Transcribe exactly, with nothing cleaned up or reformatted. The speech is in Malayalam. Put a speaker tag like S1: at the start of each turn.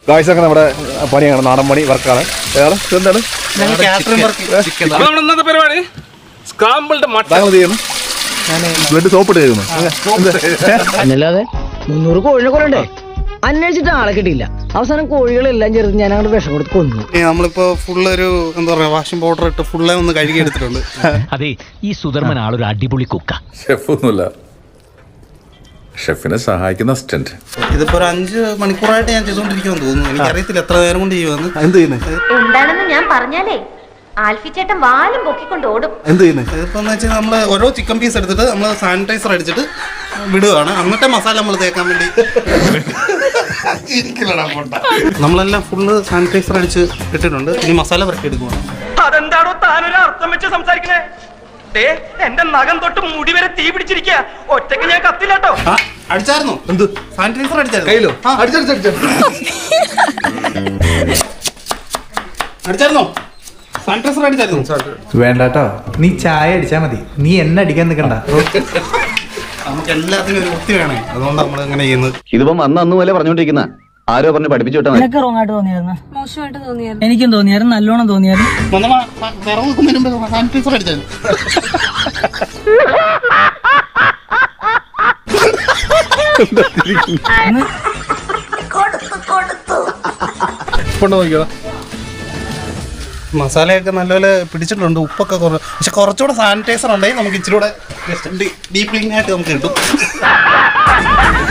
S1: ഗായ്സൊക്കെ നമ്മുടെ പണിയാണ്, നാടൻ പണി വർക്കാണ്. എന്താണ്
S2: ഇന്നത്തെ പരിപാടി? Scrambled mutton.
S1: താങ്കൾ ചെയ്യണം, ബ്ലഡ് സോപ്പിട്ട് കഴിയുന്നു.
S3: അല്ലാതെ മുന്നൂറ് കോഴിനെ കൊല്ലണ്ടേ? അന്വേഷിച്ചിട്ട് ആളെ കിട്ടിയില്ല. അവസാനം കോഴികളെല്ലാം ചേർത്ത് ഞാൻ അങ്ങോട്ട് വിഷം കൊടുത്ത് കൊന്നു.
S4: നമ്മളിപ്പോ ഫുള്ള് ഒരു എന്താ പറയാ വാഷിംഗ് പൗഡർ ഇട്ട് ഫുള്ളെ ഒന്ന് കഴുകി എടുത്തിട്ടുണ്ട്.
S5: അതെ, ഈ സുധർമ്മൻ ആളൊരു അടിപൊളി കുക്ക.
S6: ഷെഫൊന്നുമില്ല, ഷെഫിനെ സഹായിക്കുന്ന അസിസ്റ്റന്റ്.
S4: ഇതിപ്പോ ഒരു അഞ്ച് മണിക്കൂറായിട്ട് ഞാൻ ചെയ്തോണ്ടിരിക്കുമെന്ന് തോന്നുന്നു. എനിക്കറിയത്തില്ല എത്ര നേരം കൊണ്ട് ചെയ്യുമെന്ന്.
S1: എന്ത് ചെയ്യുന്നത്
S7: എന്താണെന്ന് ഞാൻ പറഞ്ഞാലേ ആൽഫി ചേട്ടൻ വാലും പൊക്കിക്കൊണ്ട് ഓടും.
S1: എന്ത് ചെയ്യുന്നത്?
S4: ഇതിപ്പോ വെച്ചാൽ നമ്മള് ഓരോ ചിക്കൻ പീസ് എടുത്തിട്ട് നമ്മൾ സാനിറ്റൈസർ അടിച്ചിട്ട് വിടുകയാണ്. എന്നിട്ട് മസാല നമ്മൾ തേക്കാൻ വേണ്ടി നമ്മളെല്ലാം ഫുള്ള് സാനിറ്റൈസർ അടിച്ച് ഇട്ടിട്ടുണ്ട്. ഇനി മസാല പുരട്ടി എടുക്കുകയാണ്.
S2: അതെന്താണോ താനൊരു അർത്ഥം വെച്ച് സംസാരിക്കണേ? എന്റെ നഖം തൊട്ട് മുടി വരെ തീ പിടിച്ചിരിക്കുക. ഒറ്റയ്ക്ക് ഞാൻ കത്തില്ലാട്ടോ.
S4: അടിച്ചായിരുന്നു?
S1: എന്ത്
S4: സാനിറ്റൈസർ അടിച്ചായിരുന്നു?
S1: കയ്യിലോ?
S4: അടിച്ചായിരുന്നോ? സാനിറ്റൈസർ അടിച്ചായിരുന്നു?
S8: വേണ്ടാട്ടോ, നീ ചായ അടിച്ചാ മതി, നീ എന്നെ അടിക്കാൻ നിൽക്കണ്ട.
S4: നമുക്ക് എല്ലാത്തിനും ഒരു വൃത്തി വേണേ, അതുകൊണ്ട് നമ്മൾ ഇങ്ങനെ ചെയ്യുന്നത്.
S9: ഇതിപ്പം അന്ന് അന്ന് പോലെ പറഞ്ഞോണ്ടിരിക്കുന്ന ആരോ പറഞ്ഞ് പഠിപ്പിച്ചു വിട്ടാ
S3: നിനക്ക് റോങ് ആയിട്ട് തോന്നിയായിരുന്നു?
S7: മോശമായിട്ട് തോന്നിയായിരുന്നു.
S3: എനിക്കും തോന്നിയായിരുന്നു, നല്ലോണം തോന്നിയായിരുന്നു.
S4: സാനിറ്റൈസർ അടിച്ചായിരുന്നു.
S1: നോക്കിയോ,
S4: മസാലയൊക്കെ നല്ലപോലെ പിടിച്ചിട്ടുണ്ട്, ഉപ്പൊക്കെ കുറവ്. പക്ഷെ കുറച്ചുകൂടെ സാനിറ്റൈസർ ഉണ്ടെങ്കിൽ നമുക്ക് ഇച്ചിരി കൂടെ ഡീപ് ക്ലീൻ ആയിട്ട് നമുക്ക് കിട്ടും.